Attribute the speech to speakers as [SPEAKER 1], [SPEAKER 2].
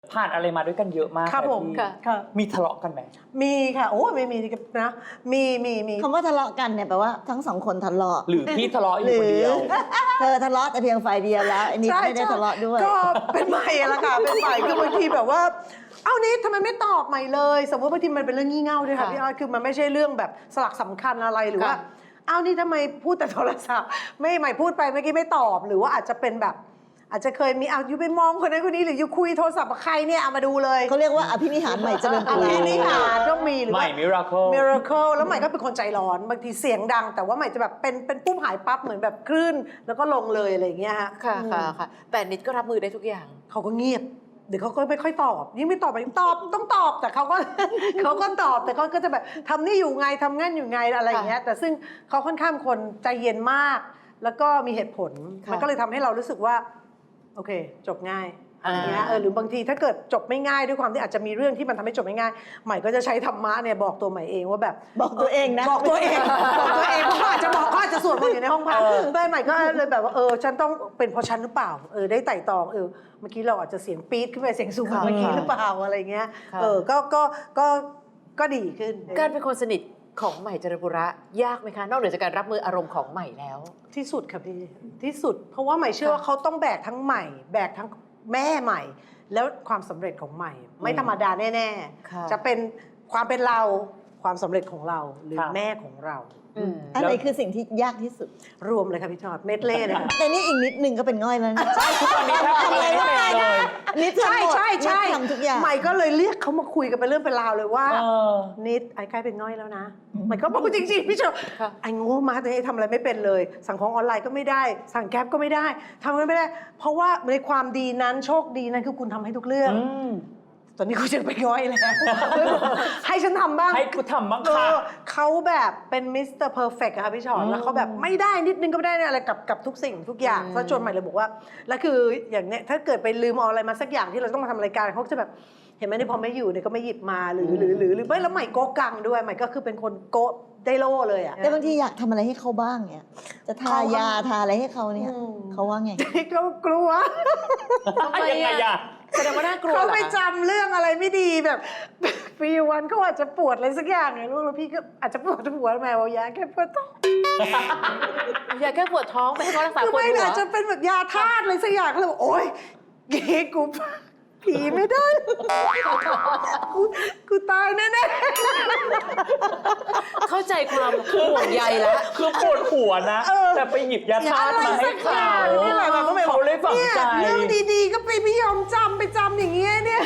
[SPEAKER 1] ผ่านอะไรมาด้วยกันเยอะมาก
[SPEAKER 2] ครับผม
[SPEAKER 1] พี่
[SPEAKER 2] ค่ะ
[SPEAKER 1] มีทะเลาะกันไหม
[SPEAKER 2] มีค่ะโอ้ไม่มีนะมี
[SPEAKER 3] คำว่าทะเลาะกันเนี่ยแปลว่าทั้งสองคนทะเลาะ
[SPEAKER 1] หรือพี่ทะเลาะอยู่คนเดียว
[SPEAKER 3] เธอทะเลาะแต่เพียงฝ่ายเดียวแล้วอันนี้ไม่ได้ทะเลาะด้วย
[SPEAKER 2] ก็เป็นใหม่ละค่ะเป็นใหม่คือบางทีแบบว่าเอ้านิดทำไมไม่ตอบใหม่เลยสมมติบางทีมันเป็นเรื่องงี่เง่าด้วยค่ะพี่ออดคือมันไม่ใช่เรื่องแบบสลักสำคัญอะไรหรือว่าเอ้านี่ทำไมพูดแต่โทรศัพท์ไม่ใหม่พูดไปเมื่อกี้ไม่ตอบหรือว่าอาจจะเป็นแบบอาจจะเคยมีอยู่ไปมองคนนั้นคนนี้หรืออยู่คุยโทรศัพท์กับใครเนี่ยเอามาดูเลย
[SPEAKER 3] เขาเรียกว่าอภินิหารใหม่เจริญ
[SPEAKER 2] อั
[SPEAKER 3] ปุ
[SPEAKER 2] น
[SPEAKER 3] รา
[SPEAKER 2] นี้หาต้องมีหรือ
[SPEAKER 1] ใหม่
[SPEAKER 2] ว่า
[SPEAKER 1] มิราเคิล
[SPEAKER 2] miracle แล้วใหม่ก็เป็นคนใจร้อนบางทีเสียงดัง แต่ว่าใหม่จะแบบเป็นปุ๊บหายปั๊บเหมือนแบบคลื่นแล้วก็ลงเลยอะไรอย่างเงี้ยฮะ
[SPEAKER 4] ค่ะค่ะแต่นิดก็รับมือได้ทุกอย่าง
[SPEAKER 2] เขาก็เงียบเดี๋ยวเขาก็ไม่ค่อยตอบยิ่งไม่ตอบไปตอบต้องตอบแต่เขาก็ เขาก็ตอบแต่เขาก็จะแบบทำนี่อยู่ไงทำงั้นอยู่ไงอะไรอย่างเงี้ยแต่ซึ่งเขาค่อนข้างคนใจเย็นมาก แล้วก็มีเหตุผล
[SPEAKER 4] ค่ะ
[SPEAKER 2] มันก็เลยทำให้เรารู้สึกว่าโอเคจบง่ายอะไรเงี้ยหรือบางทีถ้าเกิดจบไม่ง่ายด้วยความที่อาจจะมีเรื่องที่มันทำให้จบไม่ง่ายใหม่ก็จะใช้ธรรมะเนี่ยบอกตัวใหม่เองว่าแบบ
[SPEAKER 3] บอกตัวเองนะ
[SPEAKER 2] บอกตัวเองบอกตัวเองเพราะเขาอาจจะบอกเขาอาจจะสวดมนต์อยู่ในห้องพักได้ใหม่ก็เลยแบบว่าฉันต้องเป็นเพราะฉันหรือเปล่าได้ไต่ตองเมื่อกี้เราอาจจะเสียงปี๊ดขึ้นไปเสียงสูงกว่าเมื่อกี้หรือเปล่าอะไรเงี้ยก็ดีขึ้น
[SPEAKER 4] การเป็นคนสนิทของใหม่เจริญปุระยากไหมคะ นอกเหนือจากการรับมืออารมณ์ของใหม่แล้ว
[SPEAKER 2] ที่สุดค่ะพี่ที่สุด เพราะว่าใหม่เชื่อว่าเขาต้องแบกทั้งใหม่ แบกทั้งแม่ใหม่ แล้วความสำเร็จของใหม่ ไม่ธรรมดาแน่
[SPEAKER 4] ค่ะ
[SPEAKER 2] ๆจะเป็นความเป็นเราความสำเร็จของเราหรือแม่ของเรา
[SPEAKER 3] อะไรคือสิ่งที่ยากที่สุด
[SPEAKER 2] รวมเลยค่ะพี่ชอดเม็ดเล่เลยค่ะ
[SPEAKER 3] แต่นี่อีกนิดนึงก็เป็นง่อยแล้วนะ
[SPEAKER 1] ใช่ทุกวันนี้แทบทำอะไรไม่เป็นเลย
[SPEAKER 3] นิดทำหมด
[SPEAKER 2] ใช่
[SPEAKER 3] นิดทำทุกอย่าง
[SPEAKER 2] ใหม่ก็เลยเรียกเขามาคุยกันเป็นเรื่องเป็นราวเลยว่า
[SPEAKER 1] เออ
[SPEAKER 2] นิดไอ้ใกล้เป็นง่อยแล้วนะใหม่ก็บอกจริงๆพี่ชอด
[SPEAKER 4] ค่ะ
[SPEAKER 2] ไอ้โง่มาแต่ทำอะไรไม่เป็นเลย สั่งของออนไลน์ก็ไม่ได้ สั่งแก๊ปก็ไม่ได้ทำอะไรไม่ได้ เพราะว่าในความดีนั้นโชคดีนั้นคือคุณทำให้ทุกเรื่อง ตอนนี้กูจะไปง่อยแล้ว ให้ฉันทำบ้าง
[SPEAKER 1] ให้กูทำบ้างค่ะ
[SPEAKER 2] เขาแบบเป็นมิสเตอร์เพอร์เฟกต์อะค่ะพี่ชอนแล้วเขาแบบไม่ได้นิดนึงก็ไม่ได้อะไรกับทุกสิ่งทุกอย่างเพราะจนใหม่เลยบอกว่าแล้วคืออย่างเนี้ยถ้าเกิดไปลืมเอาอะไรมาสักอย่างที่เราต้องมาทำรายการเขาจะแบบเห็นไหมนี่พอไม่อยู่เนี่ยก็ไม่หยิบมาหรือไม่แล้วใหม่โกะกังด้วยใหม่ก็คือเป็นคนโกะได้โล่เลยอะ
[SPEAKER 3] แต่บางทีอยากทำอะไรให้เขาบ้างเนี่ยจะทายาทาอะไรให้เขาเนี่ยเขาว่าไง
[SPEAKER 2] เขากลัว
[SPEAKER 4] ทำไม
[SPEAKER 1] ยังไง
[SPEAKER 4] อะ
[SPEAKER 1] อะ
[SPEAKER 4] แสดงว่าน่ากลัว
[SPEAKER 2] เขา
[SPEAKER 4] เหรอ
[SPEAKER 2] ไป
[SPEAKER 4] คะ
[SPEAKER 2] จำเรื่องอะไรไม่ดีแบบ ปีวันเขาอาจจะปวดอะไรสักอย่างไงลูกแล้วพี่ก็อาจจะปวดหัวแมวยาแค่ปวดท้อง
[SPEAKER 4] อยากแค่ปวดท้องไปให้เขารักษา
[SPEAKER 2] คือ
[SPEAKER 4] ปวด
[SPEAKER 2] ไม่
[SPEAKER 4] หัว
[SPEAKER 2] อาจจะเป็นแบบยาธาตุอะไรสักอย่างเขาเลยบอกโอ๊ยเก๋กูผีไม่ได้ กูตายแน่
[SPEAKER 4] เข้าใจความห่วงใยแล้ว
[SPEAKER 1] คือปวดหัวนะ แต่ไปหยิบยา
[SPEAKER 2] ๆอย่า
[SPEAKER 1] ธา
[SPEAKER 2] อะ
[SPEAKER 1] ตุ
[SPEAKER 2] ไร
[SPEAKER 1] มาให้
[SPEAKER 2] สักอ
[SPEAKER 1] เขา
[SPEAKER 2] ย่างนี่แหละแบบก็ไม่
[SPEAKER 1] เขาเลยฝังใจ
[SPEAKER 2] เนี่ยเรื่องดีๆก็ไปไม่ยอมจำไปจำอย่างเงี้ยเนี่ย